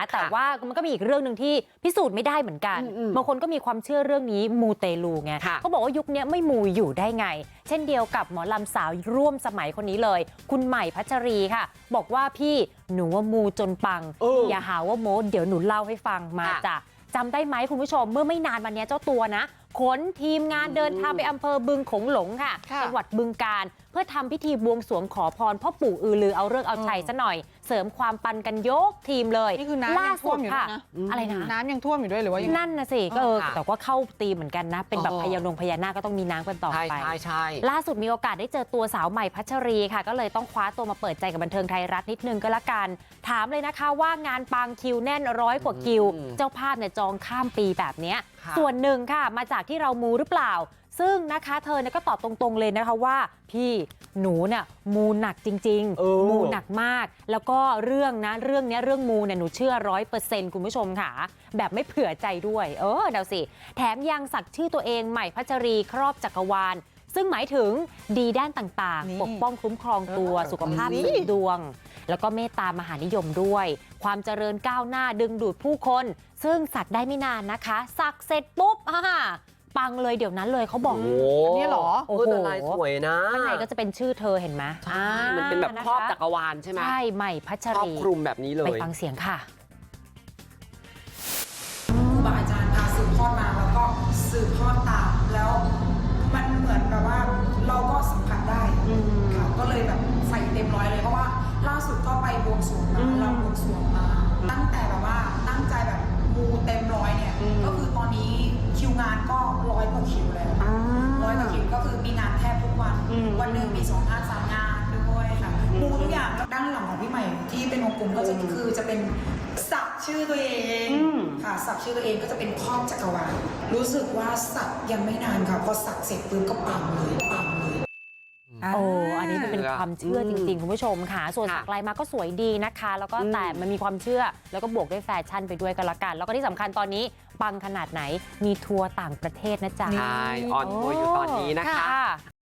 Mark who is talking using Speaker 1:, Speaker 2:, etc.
Speaker 1: แต่ว่ามันก็มีอีกเรื่องหนึ่งที่พิสูจน์ไม่ได้เหมือนกันบางคนก็มีความเชื่อเรื่องนี้มูเตลูไงเขาบอกว่ายุคนี้ไม่มูอยู่ได้ไงเช่นเดียวกับหมอลำสาวร่วมสมัยคนนี้เลยคุณใหม่พัชรีค่ะบอกว่าพี่หนูว่ามูจนปังอย่าหาว่าโม้เดี๋ยวหนูเล่าให้ฟังมาจ้ะจำได้ไหมคุณผู้ชมเมื่อไม่นานมานี้เจ้าตัวนะขนทีมงานเดินทางไปอำเภอบึงโขงหลงค่ะจังหวัดบึงกาฬเพื่อทำพิธีบวงสรวงขอพรพ่อปู่อือลือเอาเลิกษ์เอาชัยซะหน่อยเสริมความปังกันยกทีมเลย
Speaker 2: นี่คือน้ำยังท่วมอยู่นะ
Speaker 1: อะไรนะ
Speaker 2: น้ำยังท่วมอยู่ด้วยหรือว่า
Speaker 1: นั่นนะสิก็แต่ว่าเข้าตีเหมือนกันนะเป็นแบบพญานาคก็ต้องมีน้ำกันต่อไป
Speaker 3: ใช่
Speaker 1: ล่าสุดมีโอกาสได้เจอตัวสาวใหม่พัชรีค่ะก็เลยต้องคว้าตัวมาเปิดใจกับบันเทิงไทยรัฐนิดนึงก็แล้วกันถามเลยนะคะว่างานปังคิวแน่น100 กว่าคิวเจ้าภาพเนี่ยจองข้ามปีแบบนี้ส่วนหนึ่งค่ะมาจากที่เรามูหรือเปล่าซึ่งนะคะเธอเนี่ยก็ตอบตรงๆเลยนะคะว่าพี่หนูเนี่ยมูหนักจริงๆมูหนักมากแล้วก็เรื่องมูเนี่ยหนูเชื่อ100%คุณผู้ชมค่ะแบบไม่เผื่อใจด้วยเดาสิแถมยังสักชื่อตัวเองใหม่พัชรีครอบจักรวาลซึ่งหมายถึงดีด้านต่างๆปกป้องคุ้มครองตัวสุขภาพเสริมดวงแล้วก็เมตตามหานิยมด้วยความเจริญก้าวหน้าดึงดูดผู้คนซึ่งสักได้ไม่นานนะคะสักเสร็จปุ๊บปังเลยเดี๋ยวนั้นเลยเขาบอก
Speaker 2: นี่หรอ
Speaker 3: โอ้โหลายสวยนะ
Speaker 1: ข้างในก็จะเป็นชื่อเธอเห็นไหม
Speaker 3: มันเป็นแบบครอบจักรวาลใช่ไหม
Speaker 1: ใช่ใหม่พัชรี
Speaker 3: ครอบคลุมแบบนี้เลย
Speaker 1: ไปฟังเสียงค่ะ
Speaker 4: ครูบาอาจารย์พาสืบทอดมาแล้วก็สืบทอดตามแล้วมันเหมือนแบบว่าเราก็สัมผัสได้ค่ะก็เลยแบบใส่เต็มร้อยเลยเพราะว่าล่าสุดก็ไปบวงสรวงมาเราบวงสรวงมาตั้งแต่แบบว่าตั้งใจแบบมูเต็มร้อยเนี่ยก็คือตอนนี้คิวงานก็100 กว่าคิวแล้ว100 กว่าคิวก็คือมีงานแทบทุกวันวันหนึ่งมี2 งาน 3 งานด้วยค่ะมูทุกอย่างแล้วด้านหลังของพี่ใหม่ที่เป็นวงกลมก็จะคือจะเป็นสักชื่อตัวเองค่ะสักชื่อตัวเองก็จะเป็นครอบจักรวาลรู้สึกว่าสักยังไม่นานค่ะพอสักเสร็จปุ๊บก็ปังเลย
Speaker 1: อันนี้เป็นความเชื่อจริงๆคุณผู้ชมค่ะส่วนสักลายมาก็สวยดีนะคะแล้วก็แต่มันมีความเชื่อแล้วก็บวกด้วยแฟชั่นไปด้วยกันละกันแล้วก็ที่สำคัญตอนนี้ปังขนาดไหนมีทัวร์ต่างประเทศนะจ๊ะ
Speaker 3: ใช่ออนทัวร์อยู่ตอนนี้นะคะ